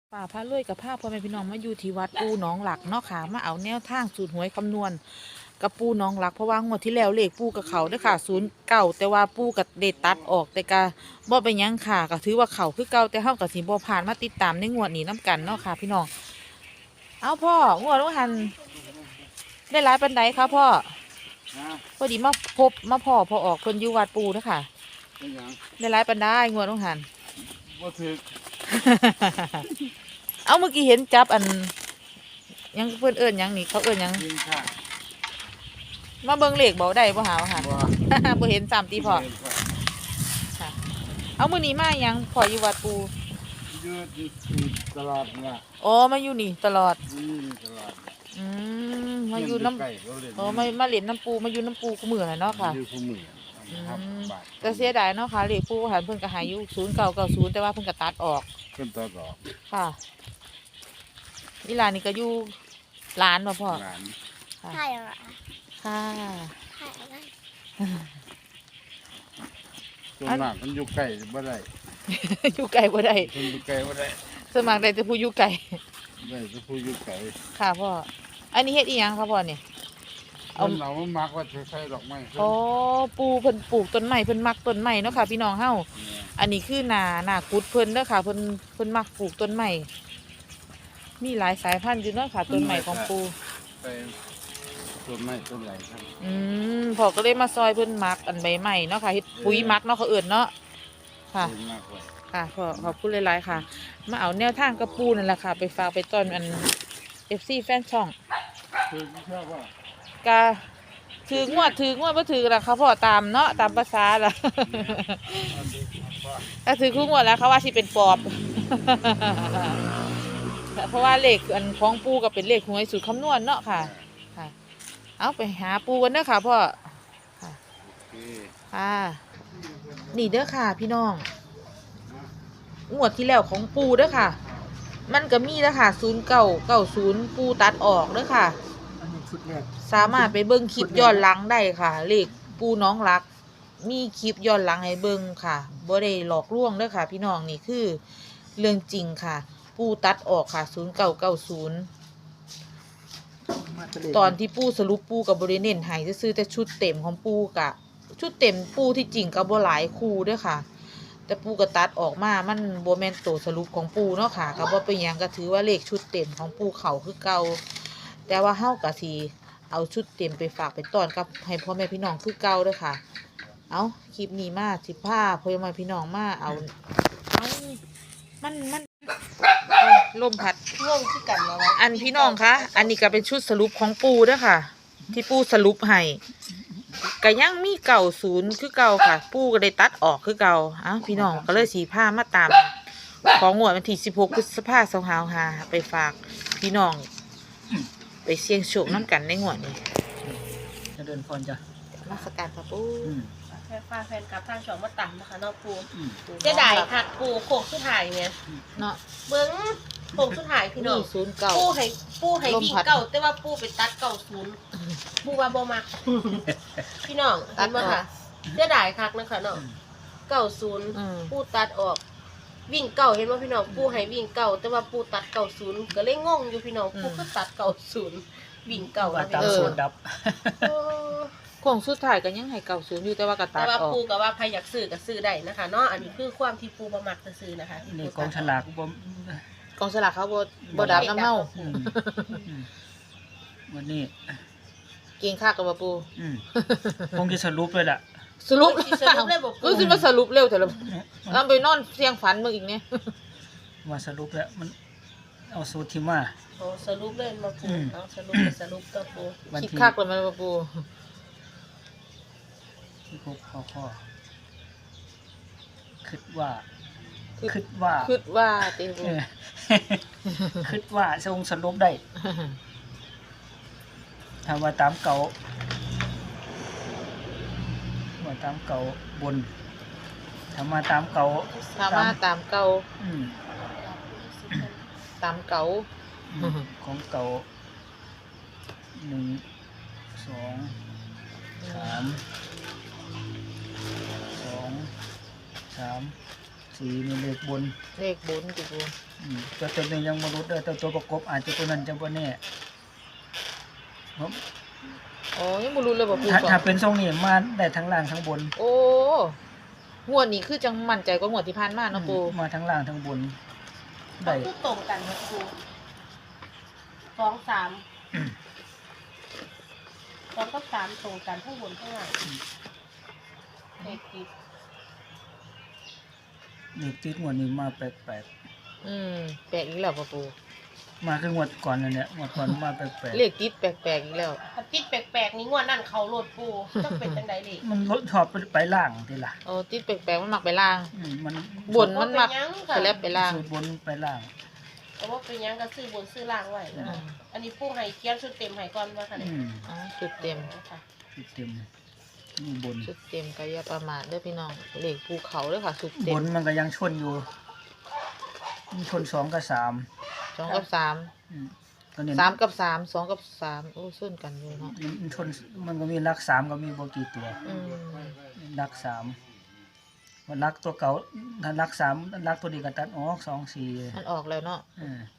ป่าพระรวยกับผ้าพ่อแม่พี่น้องมาอยู่ที่วัดปูหนองหลักเนาะค่ะมาเอาแนวทางสูตรหวยคำนวณกับปูหนองหลักเพราะว่างวดที่แล้วเลขปูกับเขาเด้อค่ะ09แต่ว่าปูกับเดตัดออกแต่กะบ่เป็นหยังค่ะก็ถือว่าเขาคือเก่าแต่เฮากับสิบ่ผ่านมาติดตามในงวดนี้น้กันเนาะค่ะพี่น้องเอาพ่องวดว่าหันได้หลายปานใดคะพ่อพอดีมาพอออกเพิ่นอยู่วัดปูเด้อค่ะได้หลายปานใดงวดว่าหันบ่ถึกเอาเมื่อกี้เห็นจับอันยังเพื่อนเอิญยังนี่เขาเอิญยังยิงค่ะมาเบิ่งเลขเบาได้บ่หาว่าหาบ่บ่เห็นสามตีพอค่ะเอามื้อนี้มายังพออยู่วัดปูยืดตลอดน่ะอ๋อมาอยู่นี่ตลอดนี่ตลอดมาอยู่น้ไก่เขาเล่นำอ๋อมาเล่นน้ำปูมาอยู่น้ำปูกูมื้อน่ะเนาะค่ะอยู่คู่มือครับบาทก็เสียดายเนาะค่ะเลขปูหันเพิ่นก็หายอยู่0990แต่ว่าเพิ่นก็ตัดออกขึ้นต่อดอกค่ะอีหลานนี่ก็อยู่ร้านบ่พ่อหลานค่ะใช่เหรอค่ะใช่อะไรส่วนมากมันอยู่ไก่บ่ได้อยู่ไกลบ่ได้คนอยู่ไก่บ่ได้สวนมัครได้แต่ผู้อยู่ไกลได้ก็ผู้อยู่ไก่ค่ะพ่อ อันนี้เฮ็ดอีหยังคะพ่อเนี่ยเอาเรามามักว่าใช้ดอกไม้อ๋อปูเพิ่นปลูกต้นไม้เพิ่นมักต้นไม้เนาะค่ะพี่น้องเฮาอันนี้คือหนากุดเพิ่นเด้อค่ะเพิ่นมักปลูกต้นไม้มีหลายสายพันธุ์อยู่เนาะค่ะต้นไม้ของปูไปต้นไม้ต้นไหลครับพ่อก็เลยมาซอยเพิ่นมักอันใบไม้เนาะค่ะเฮ็ดปุ๋ยมักเนาะเขาเอิ้นเนาะค่ะดีมากเลยค่ะพ่อขอบคุณหลายๆค่ะ มาเอาแนวทางกระปูนั่นแหละค่ะ ไปฝากไปต้อนอัน FC แฟนช่องคือชอบว่าก็ถืองวดบ่ถือละเขาพอตามเนาะตามภาษาละถ้าถือคู่งวดแล้วเขาว่าสิเป็นปอบ เพราะว่าเลขอันของปูก็เป็นเลขหวยสูตรคำนวณเนาะค่ะค่ะ เอาไปหาปูกันเด้อค่ะพ่อค่ะโอเคค่ะนี่เด้อค่ะพี่น้องงวดที่แล้วของปูเด้อค่ะ มันก็มีเด้อค่ะ0990ปูตัดออกเด้อค่ะ สามารถไปเบิ่งคลิปย้อนหลังได้ค่ะ เลขปูน้องรัก มีคลิปย้อนหลังให้เบิ่งค่ะบ่ได้หลอกลวงเด้อค่ะ พี่น้องนี่คือเรื่องจริงค่ะ ปูตัดออกค่ะ0990ตอนที่ปูสรุปปูกับบ่ได้เน้นให้ซื้อแต่ชุดเต็มของปูกะชุดเต็มปูที่จริงก็บ่หลายคู่เด้อค่ะ แต่ปูก็ตัดออกมามันบ่แม่นตัวสรุปของปูเนาะค่ะก็บ่เป็นหยังก็ถือว่าเลขชุดเต็มของปูเขาคือเก่าแต่ว่าเฮาก็สิเอาชุดเต็มไปฝากไปต้อนกับให้พ่อแม่พี่น้องคือเก่าเด้อค่ะ เอาคลิปนี้มาสิพาพ่อแม่พี่น้องมาเอามันลมพัดงงที่กันแล้ววะอันพี่น้องคะอันนี้ก็เป็นชุดสรุปของปูเด้อค่ะ ที่ปูสรุปให้ก็ยังมี90คือเก่าค่ะ ปูก็ได้ตัดออกคือเก่าอ้าวพี่น้องก็เลยสีผ้ามาตาม ของงวดวันที่16พฤษภาคม2565ไปฝากพี่น้อง ไปเสี่ยงโชคน้ำกันในงวดนี้จะเดินพรจ้ะมาสการค่ะปูแฟนฟ้าแฟนกับทางช่องมาต่ำนะคะนอกปูปูเจ๊ได้หักปูโขกสุดท้ายเนี่ยเนาะเบิ้งโขกสุดท้ายพี่น้องนี่09 ปูให้วิ่งเก่าแต่ว่าปูไปตัด90ปูว่าบ่มักพี่น้องเห็นบ่ค่ะเจ๊ได้คักนะคะเนาะ90ปูตัดออก วิ่งเก่าเห็นบ่พี่น้องปูให้วิ่งเก่าแต่ว่าปูตัด90ก็เลยงงอยู่พี่น้องปูก็ตัด90วิ่งเก่าว่าอะตามสูตรดับโอ้ของสุดท้ายก็ยังให้90อยู่แต่ว่าก็ตัแต่ดว่าออกปูกับว่าใครอยากซื้อก็ซื้อได้นะคะเนาะอันนี้คือความที่ปูประมักจะซื้อนะคะนี่กองฉลากบ่กองสลากเขาบ่ดับน้ำเน่าอืมวันนี้เก่งคักกับบ่ปูคงจะสรุปเลยล่ะสรุปสรุปเลยบอกก็ปูสิมาสรุปเร็วแต่ละเราไปนอนเสียงฝันมึงอีกเนี่ยว่าสรุปแล้วมันเอาสูตรที่มาโอ้สรุปเลยมาปูอืมเอาสรุปก็สรุปตัวปูวันคิดที่คักเลยมันบ่ปูที่พบข้อคิดว่าคือคิดว่าคิดว่าติปูเออ คิดว่าทรงสรุปได้ถ้าว่าตามเก่าว่าตามเก่าบนถ้ามาตามเก่าถ้ามาตามเก่าอืมตามเก่าของเก่า1 2 3 2 3 4นี่เลขบนเลขบนติปูตัวนี้ยังบ่รู้เด้อแต่ตัวประกบอาจจะตัวนั้นจะบ่แน่ผมอ๋อยังบ่รู้เลยบ่ปูถ้าเป็นทรงนี้มาได้ทั้งล่างทั้งบนโอ้งวดนี้คือจังมั่นใจกว่างวดที่ผ่านมาเนาะปูมาทั้งล่างทั้งบนได้คือตรงกันครับครู2 3 2กับ3ตรงกันทั้งบนทั้งล่างเลขติดเลขติดงวดนี้มาแปลกแปลกอีกแล้วบ่ปูๆมาคืองวดก่อนนั่นแหละงวดก่อนมาแปลกเลขติดแปลกๆอีกแล้วถ้าติดแปลกๆนี่งวดนั่นเขาโลดปูต้องเป็นจังไดดิๆมันรถชอบไปล่างทีล่ะโอ้ติดแปลกๆมันมักไปล่างมันบนมันมักไปแล้วไปล่างสูตรบนไปล่างแต่ว่าเป็นหยังก็ซื้อบนซื้อล่างไว้นะอันนี้ปูให้เขียนชุดเต็มให้ก่อนว่าค่ะเนี่ยอ๋อชุดเต็มค่ะชุดเต็มนี่บนชุดเต็มก็อย่าประมาทเด้อพี่น้องเลขภูเขาเด้อค่ะชุดเต็บมนมันก็ยังชนอยู่มันชน2กับ3 2 กับตัวนี้ 3 3 กับ 3 2 กับ 3โอ้ส้นกันอยู่เนาะมันชนมันก็มีลัก3ก็มีบ่กี่ตัวอืมลัก3มันลักตัวเก่าถ้าลัก3ลักตัวนี้ก็ตัดออก2 4 มันออกแล้วเนาะ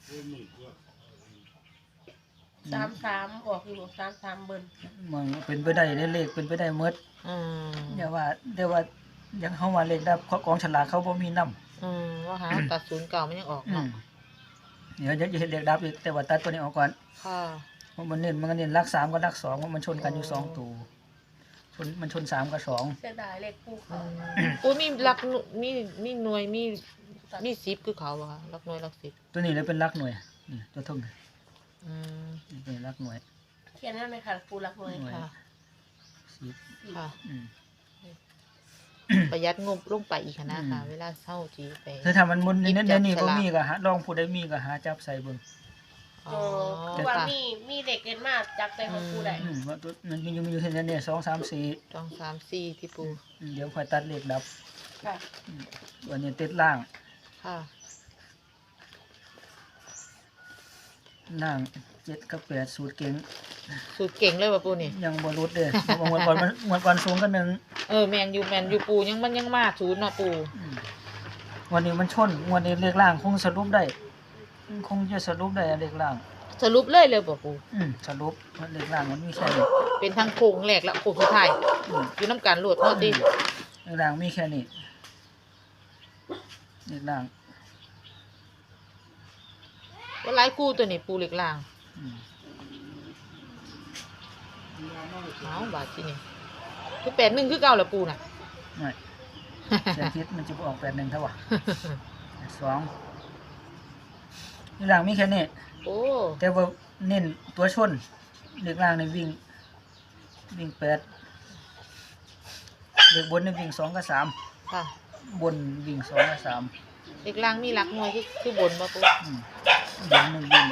33ออกอยู่33เบิ่นมันเป็นไปได้เลขเป็นไปได้หมดอืมอย่าว่าแต่ว่ายังเฮาว่าเลขดับกองฉลากเขาบ่มีนำว่าหาตัดศูนย์เก่ามันยังออกเนาะเดี๋ยวจะเห็นเลขดับอีกแต่ว่าตัดตัวนี้ออกก่อนค่ะเพราะมันก็เน้นลัก3กับลัก2เพราะมันชนกันอยู่2ตัวมันชน3กับ2 เสียดายเลขปูเขาปูมีหลักมีหน่วยมี10คือเขาบ่คะหลักหน่วยหลัก10 ตัวนี้เลยเป็นลักหน่วยนี่ตัวทุ่งอืมนี่เป็นลักหน่วยเขียนได้ไหมคะปูรักหน่วยค่ะ 10 ค่ะอืมประหยัดงบลงไปอีกนะค่ะเวลาเช่าจีไปคือถ้ามันมุนนี่หยิบเดี๋ยวนี้จับบ่ฉลากมีก็หาลองผู้ใดมีก็หาจับใส่เบิ่งอ๋โอ้อคือว่ามีเด็กเกินมากจักใจของปูได้ว่าตัวมันมีอยู่เห็นเนี่ย2 3 4 ต้อง3 4ที่ปูเดี๋ยวค่อยตัดเลขดับค่ะวันนี้ติดล่างค่ะล่าง7กับ8สูตรเก่งสูตรเก่งเลยว่ะปูนี่ยังบ่รุดเด้อเพราะว่างวดก่อนสูงกันหนึงแมนอยู่ปูยังมันยังมาศูนย์เนาะปูวันนี้มันชนงวดนี้เลขล่างคงสรุปได้คงจะสรุปได้เลขล่างสรุปเลยบ่ปูสรุปว่าเลขล่างมันมีแค่นี้เป็นทั้งโค้งแรกและโค้งสุดท้ายอืมอยู่น้ำกันโหลดเนาะติเลขล่างมีแค่นี้เลขล่างว่าหลายคู่ตัวนี้ปูเล็กล่างอืมเอาบาทที่นี่คือ81คือเก่าแหละปูน่ะไม่เสียทิศมันจะออก81เท่าว่ะ2เลขล่างมีแค่นี้โอ้แต่ว่าเน้นตัวชนเลขล่างนี่วิ่ง8เลขบนนี่วิ่ง2กับ3 ค่ะบนวิ่ง2กับ3 เล็กล่างมีหลักหน่วยคือบนบ่ปูบน1วิ่ง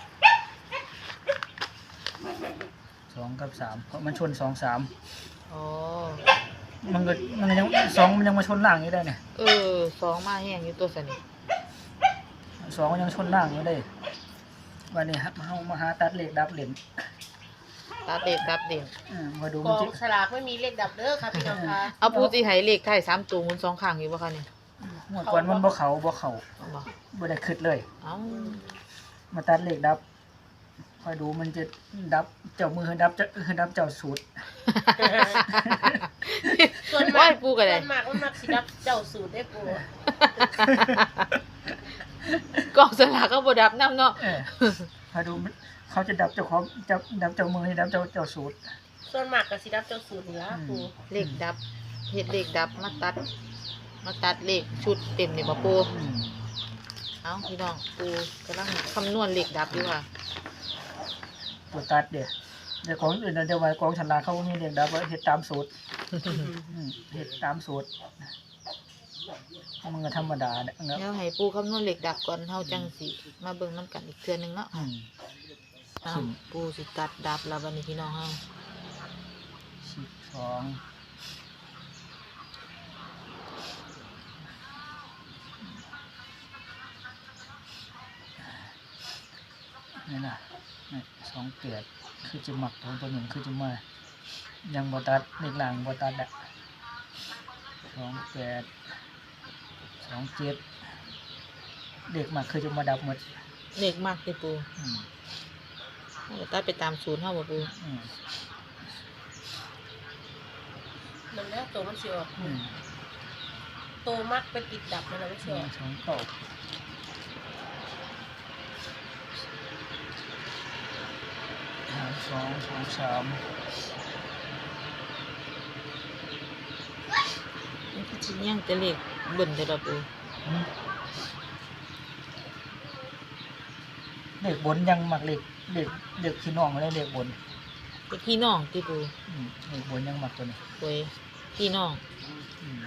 2กับ3เพราะมันชน2 3 อ๋อมันยัง2มันยังมาชนล่างอยู่ได้เนี่ย 2มาแห้งอยู่ตัวสนิท 2มันยังชนล่างอยู่ได้วันนี้เฮามาหาตัดเลขดับเหรียญตัดเด็ดตัดเด่นมาดูกมันอสิงฉลากไม่มีเลขดับเด้อค่ะพี่น้องคะเอาปูสิให้เลขไทย3ตัวหมุน2ข้างอยู่บ่คะนี่งวดก่อนมันบ่เข้าบ่บ่ได้คิดเลยเอ้ามาตัดเลขดับคอยดูมันจะดับเจ้ามือดับเจ้าสูตรส่วนโอ้มากยปูก็ส่ได้วนมากมันมักสิดับเจ้าสูตรได้ปูกองสลากก็บ่ดับนำเนาะคอยดูเขาจะดับเจ้าของดับเจ้ามือให้ดับเจ้าสูตรส่วนมากก็สิดับเจ้าสูตรนี่ล่ะปูเลขดับเฮ็ดเลขดับมาตัดเลขชุดเต็มนี่บ่ปูเอ้าพี่น้องปูกำลังคำนวณเลขดับอยู่ค่ะตัวตัดเดี๋ยวของอื่นเดี๋ยวไว้กองฉลากเขามีเลขดับไว้เฮ็ดตามสูตรเฮ็ดตามสูตรมันก็ธรรมดาเนี่ยเดี๋ยวให้ปูคำนวณเลขดับก่อนเฮาจังสิมาเบิ่งนํกันอีกเทื่อนึงเนาะอ้าวปูสิตัดดับแล้วบัดนี้พี่น้องเฮา 12นี่นะนี่28คือจะหมักตัวหนึ่งคือจะมายังบ่ตัดเลขหลังบ่ตัดอ่ะ28 2 27เด็กมาเคยจะมาดับหมดเลขมากติปูอืมเอาก็ตัดไปตามศูนย์เฮาบ่ปูอืมมันแล้วตัวมันสิออกอืมโตมักไปติดดับมันแล้วมันสิออกสองเก้า2 3 มันก็สิยังแต่เลขเบิ่นแต่ละปูอืมเด็กบนยังมักเด็กพี่น้องเลยเด็กบนเลขพี่น้องติปูเด็กบนยังมักตัวนี้โอ้ยพี่น้องอืม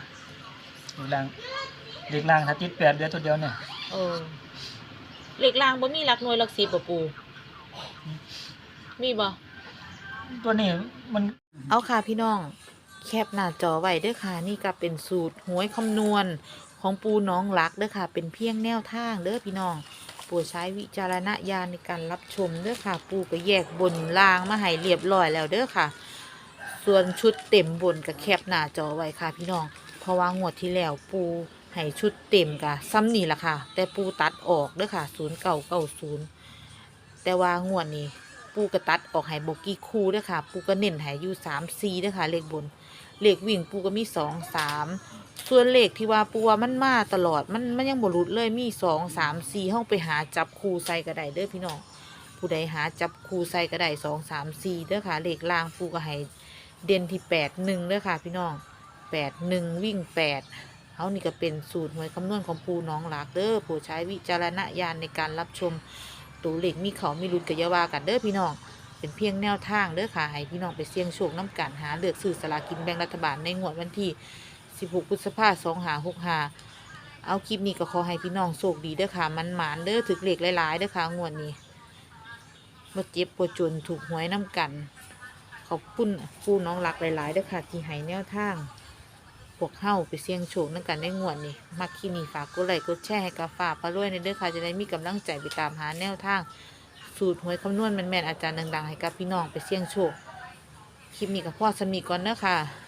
เด็กล่างถ้าติด8เดือนตัวเดียวเนี่ยเออเลขล่างบ่มีหลักหน่วยหลัก10บ่ปูมีบ่ตัวนี้มันเอาค่ะพี่น้องแคปหน้าจอไว้เด้อค่ะนี่ก็เป็นสูตรหวยคำนวณของปูน้องรักเด้อค่ะเป็นเพียงแนวทางเด้อพี่น้องโปรดใช้วิจารณญาณในการรับชมเด้อค่ะปูก็แยกบนล่างมาให้เรียบร้อยแล้วเด้อค่ะ ส่วนชุดเต็มบนก็แคปหน้าจอไว้ค่ะพี่น้องเพราะว่างวดที่แล้วปูให้ชุดเต็มกะซ้ำนี่ล่ะค่ะ แต่ปูตัดออกเด้อค่ะ0990แต่ว่างวดนี้ ปูกระตัดออกให้บกี่คู่เด้อค่ะ ปูก็เน้นให้อยู่3-4เด้อค่ะเลขบนเลขวิ่งปูก็มี2-3ส่วนเลขที่ว่าปูว่ามันมาตลอดมันยังบ่หลุดเลยมี2-3-4เฮาไปหาจับคู่ใส่ก็ได้เด้อพี่น้องผู้ใดหาจับคู่ใส่ก็ได้2-3-4เด้อค่ะเลขล่างปูก็ให้เด่นที่8-1เด้อค่ะพี่น้อง8-1วิ่ง8เฮานี่ก็เป็นสูตรหวยคำนวณของปูน้องหลากเด้อโปรดใช้วิจารณญาณในการรับชม ตัวเลขมีเขามีรุดกับยาวากันเด้อพี่น้องเป็นเพียงแนวทางเด้อค่ะให้พี่น้องไปเสี่ยงโชคน้ำกันหาเลือกซื้อสลากินแบ่งรัฐบาลในงวดวันที่16พฤษภาคม2565เอาคลิปนี้ก็ขอให้พี่น้องโชคดีเด้อค่ะมันหมานเด้อถึกเลขหลายๆเด้อค่ะงวดนี้บ่เจ็บบ่จนถูกหวยน้ำกันขอบคุณผู้น้องรักหลายๆเด้อค่ะที่ให้แนวทางพวกเฮาไปเสี่ยงโชคน้ำกันในงวดนี้มักคลิปนี้ฝากกดไลค์กดแชร์ให้กับฝากพารวยในเด้อค่ะจะได้มีกำลังใจไปตามหาแนวทางสูตรหวยคำนวณแม่นๆอาจารย์ดังๆให้กับพี่น้องไปเสี่ยงโชคคลิปนี้กับพ่อสมีก่อนเด้อค่ะ